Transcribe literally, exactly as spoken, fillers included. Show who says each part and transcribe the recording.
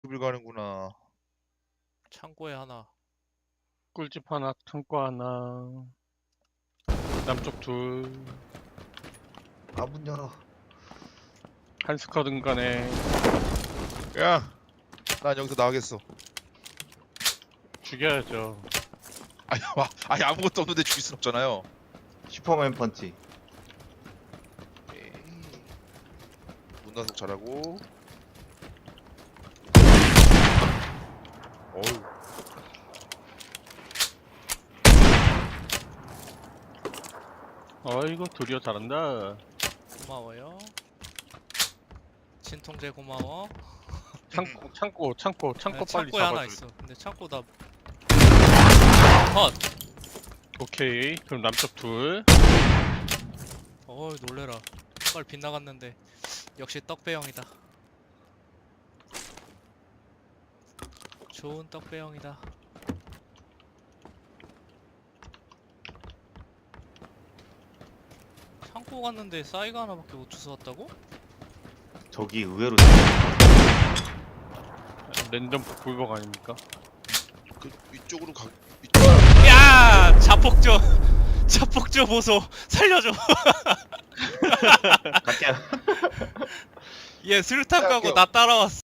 Speaker 1: 을 가는구나.
Speaker 2: 창고에 하나.
Speaker 3: 꿀집 하나, 창고 하나. 남쪽 둘.
Speaker 4: 아, 문 열어.
Speaker 3: 한 스쿼드인 간에
Speaker 1: 야, 난 여기서 나가겠어.
Speaker 3: 죽여야죠.
Speaker 1: 아니, 와, 아니 아무것도 없는데 죽일 순 없잖아요.
Speaker 4: 슈퍼맨 펀치.
Speaker 1: 에이. 문단속 잘하고. 어우.
Speaker 3: 어이구, 드디어 잘한다.
Speaker 2: 고마워요. 진통제 고마워.
Speaker 3: 창고, 창고, 창고, 창고
Speaker 2: 네,
Speaker 3: 빨리
Speaker 2: 창고에 하나
Speaker 3: 잡아줘.
Speaker 2: 있어. 근데 창고 다 컷.
Speaker 3: 오케이, 그럼 남쪽 둘.
Speaker 2: 어이 놀래라. 한 발 빗나갔는데 역시 떡배영이다. 좋은 떡배영이다. 창고 갔는데 싸이가 하나밖에 못 주워왔다고?
Speaker 4: 저기 의외로
Speaker 3: 랜덤 불복 아닙니까?
Speaker 1: 그 이쪽으로 가. 이쪽.
Speaker 2: 야! 자폭조! 자폭조 보소! 살려줘!
Speaker 4: 갈게요.
Speaker 2: 얘 술탄 까고
Speaker 1: 할게요.
Speaker 2: 나 따라왔어.